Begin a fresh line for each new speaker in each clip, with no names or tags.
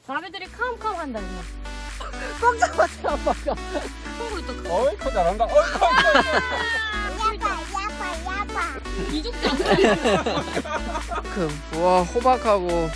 나비들이 캄캄한다 이거.
꽉 잡았대 아빠가.
콩을 또
어이 커 잘한다. 어이 커.
야파.
이죽장.
와 호박하고.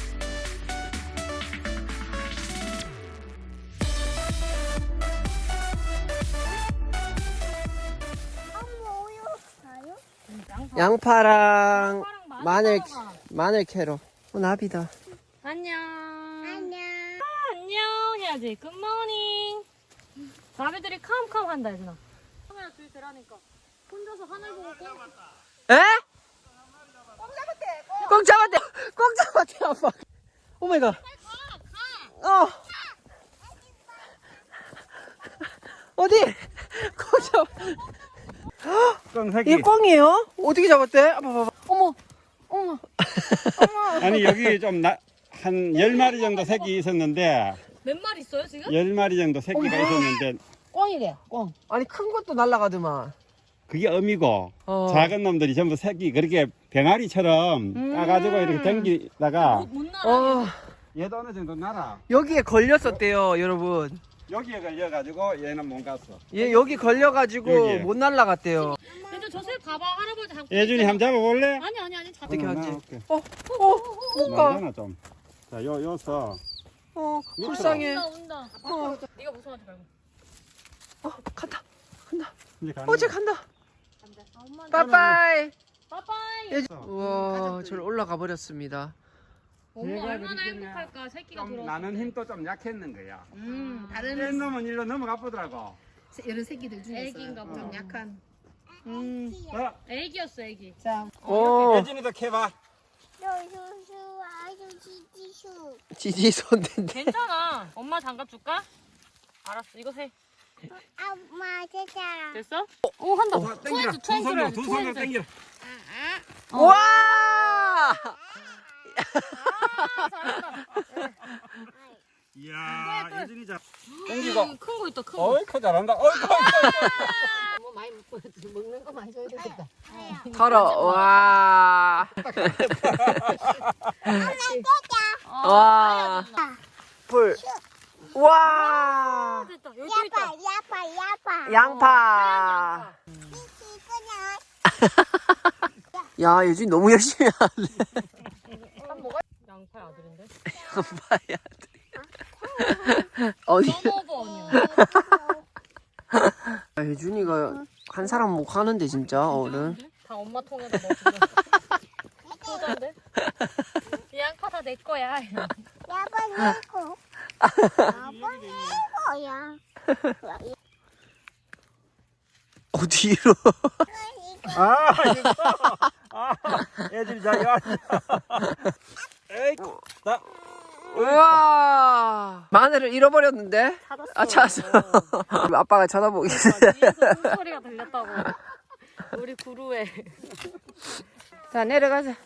양파랑 마늘 캐러. 나비다.
안녕.
안녕.
안녕 해야지. 굿모닝. 나비들이 캄캄한다 얘들아. 카메라 뒤에 대라니까. 혼자서 하늘 보고 꼭.
에? 꼭 잡았대. 꼭 잡았대 아빠. 오마이갓. 어. 어디? 꼭 잡.
꽝새끼.
이게 꽝이에요? 어떻게 잡았대? 아빠 봐봐. 어머.
아니 여기 좀 한 10마리 정도 새끼 있었는데
몇 마리 있어요 지금?
10마리 정도 새끼가 있었는데
꽝이래. 꽝. 아니 큰 것도 날라가더만.
그게 어미고
어.
작은 놈들이 전부 새끼 그렇게 병아리처럼 따가지고 이렇게 당기다가
못 날아.
어.
얘도 어느 정도 날아.
여기에 걸렸었대요, 여러분.
여기에 걸려가지고 얘는 못 갔어.
얘 여기 걸려가지고
여기에.
못 날라갔대요.
얘들 저새 봐봐 할아버지 잡고.
예준이 한번 잡아볼래?
아니 잡고.
어떻게 하지?
올게.
못 가.
나잖아 좀. 자, 요서
불쌍해.
온다. 네가 무서워하지 말고.
간다.
이제 가는
어제
거야.
간다.
엄마.
빠빠이.
빠빠이.
우와, 저를 올라가 버렸습니다.
엄마
얘가
얼마나
그렇게
행복할까 새끼가
좀
들어왔을
나는
때.
힘도 좀 약했는 거야.
다른
센 놈은 일로 넘어가 보더라고.
이런 새끼들 중에서
애기인가 보다.
좀 약한.
자,
애기였어 애기.
자,
오,
예준이도 캐봐.
수수 아주 지지수.
지지 손댄데.
괜찮아. 엄마 장갑 줄까? 알았어. 이거 세.
엄마 제자.
됐어? 오 한다.
자, 당기라. 두 손으로 당기라.
와!
이야, 예준이 자.
큰 거 있다 큰 거.
어이 커 잘한다. 어이 커.
뭐 많이 먹는 거 많이 줘야 되겠다.
털어. 와. 와. 불. 와.
됐다. 여기 또 있다.
야파.
양파.
이거는
야, 예준이 너무 열심히 하네.
양파의 아들인데.
양파야. 어디?
써먹어 언니.
예준이가 한 사람 못 하는데 진짜 어른.
다 엄마 통에다 넣어주면. 효자인데? 이 양파 다 내 거야.
야파 내고. 야파 내고야.
어디로?
아, 이거. 아, 예준이 자, 여 에이, 자.
우와. 마늘을 잃어버렸는데? 아, 찾았어. 아빠가 쳐다보기.
뒤에서 숨소리가 들렸다고. 우리 구루에.
자, 내려가자.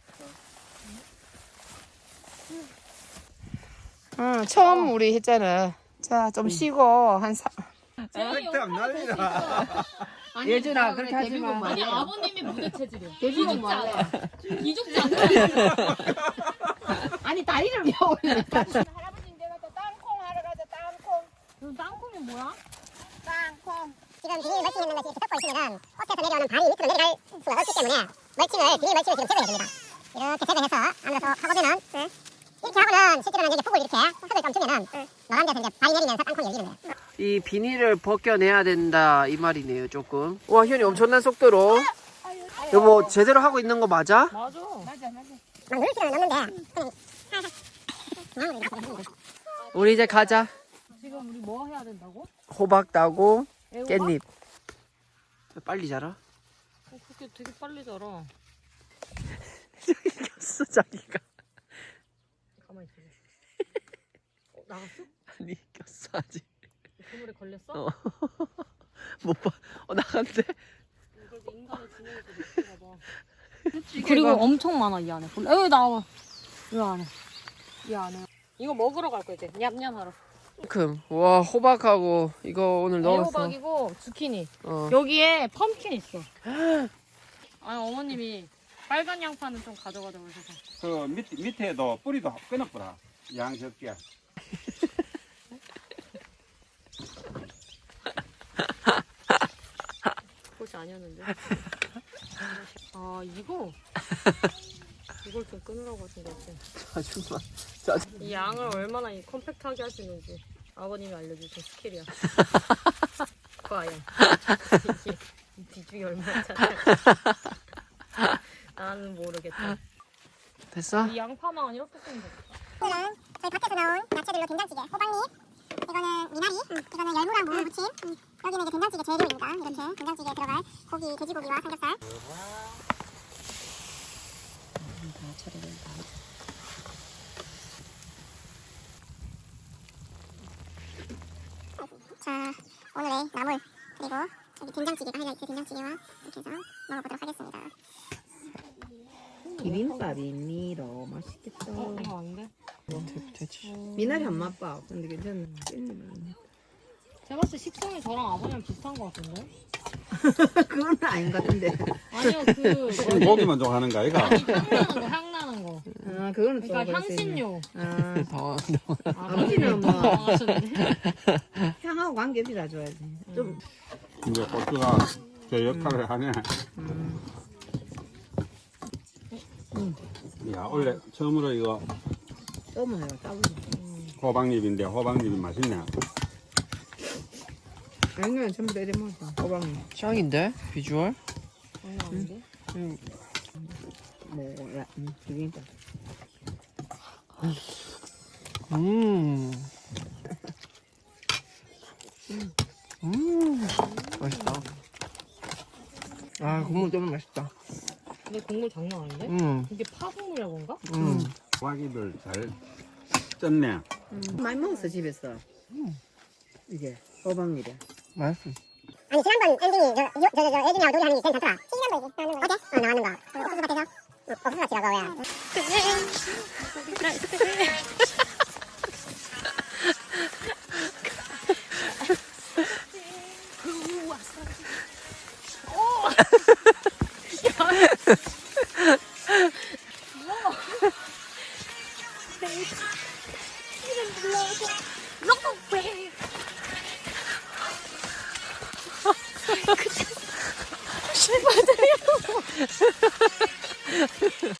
응, 처음 우리 했잖아. 자, 좀 쉬고 한
절대 안 날리라.
예준아, 그렇게 하지 마.
아니 아버님이 무대 체질이야.
데뷔는 뭐 할래?
이죽지 않아.
아니 다리를 왜 올려?
할아버지 내가 또 땅콩 하러 가자. 땅콩.
땅콩이 뭐야?
땅콩. 지금 비닐 멀칭했는 것이 이렇게 덮고 있으면은 꽃에서 내려오는 발이 밑으로 내려갈 수가 없기 때문에 비닐 멀칭을 지금 제거해야 됩니다. 이렇게 제거해서 안으로 하고 되면 이렇게 하고는 실제로는 이제 폭을 이렇게 흙을 좀 주면은 노란 데서 이제 발이 내리면서 땅콩이 열리는 거예요.
이 비닐을 벗겨내야 된다 이 말이네요 조금. 와, 현이 엄청난 속도로. 여보, 제대로 하고 있는 거 맞아?
맞아.
막 누를 필요는 없는데 그냥
우리 이제 가자.
지금 우리 뭐 해야 된다고?
호박 따고
애호박?
깻잎. 빨리 자라.
그렇게 되게 빨리 자라.
이겼어 자기가.
가만히 있어. 나갔어?
아니 이겼어 아직.
그물에 걸렸어?
어. 못 봐. 나간대.
이걸 인간의 지능에서 느끼나 봐. 그리고 엄청 많아 이 안에. 여기 나와. 이 안에. 이 안에. 이거 먹으러 갈 거 이제. 냠냠하러.
와, 호박하고 이거 오늘 넣었어.
애호박이고 주키니.
어.
여기에 펌킨 있어. 아니 어머님이 빨간 양파는 좀 가져가자고 해서.
그 밑에도 뿌리도 끊어보라. 양 적게.
맛이 아니었는데. 아 이걸 좀 끊으라고 하신 것 같아.
아줌마.
이 양을 얼마나 이 컴팩트하게 하시는지 아버님이 알려주신 스킬이야. 과연 이 비중이 얼마나 작을까. 나는 모르겠다.
됐어?
이 양파망은 이렇게 쓰면 되겠다.
이거는 저희 밭에서 나온 야채들로 된장찌개, 호박잎, 이거는 미나리, 이거는 열무랑 무를 무침, 여기는 이제 된장찌개 재료입니다. 이렇게 된장찌개에 들어갈 고기, 돼지고기와 삼겹살. 자, 오늘의 나물 그리고 여기 된장찌개가 하이라이트 된장찌개와 이렇게 해서 먹어보도록 하겠습니다.
비빔밥입니다. 맛있겠다.
이거 안 돼?
되지.
미나리 안 맛봐. 근데 괜찮네.
제가 봤을 때 식성이 저랑 아버님이랑 비슷한 것 같은데?
그건 아닌 것 같은데.
아니요
고기만 좋아하는 거 아이가?
향 나는 거.
아, 그거는 좀
그러니까
그럴 수 있네.
향신료.
아,
더.
아버지는 뭐
당황하셨는데?
향하고 관계없이 다 줘야지. 좀
이제 고추가 제 역할을 하네. 야, 원래 처음으로 이거
떠먹어요. 따블로.
호박잎인데 호박잎이 맛있네.
아니면 전부 다 이래 먹었어. 호박잎.
짱인데? 비주얼?
장난 아닌데?
뭐야? 비빔밥.
맛있다.
아, 국물 너무 맛있다.
근데 국물 장난 아닌데? 이게 파국물이라 그런가?
호박잎을 잘 쪘네.
많이 먹었어 집에서. 이게 호박잎이야.
맛있어.
아니 지난번 엔딩이 저 애기냐고 놀이하는 게 괜찮더라. 시간 거지 나오는 거. 어제? 나오는 거. 옥수수 밭에서 옥수수 밭이라고 왜?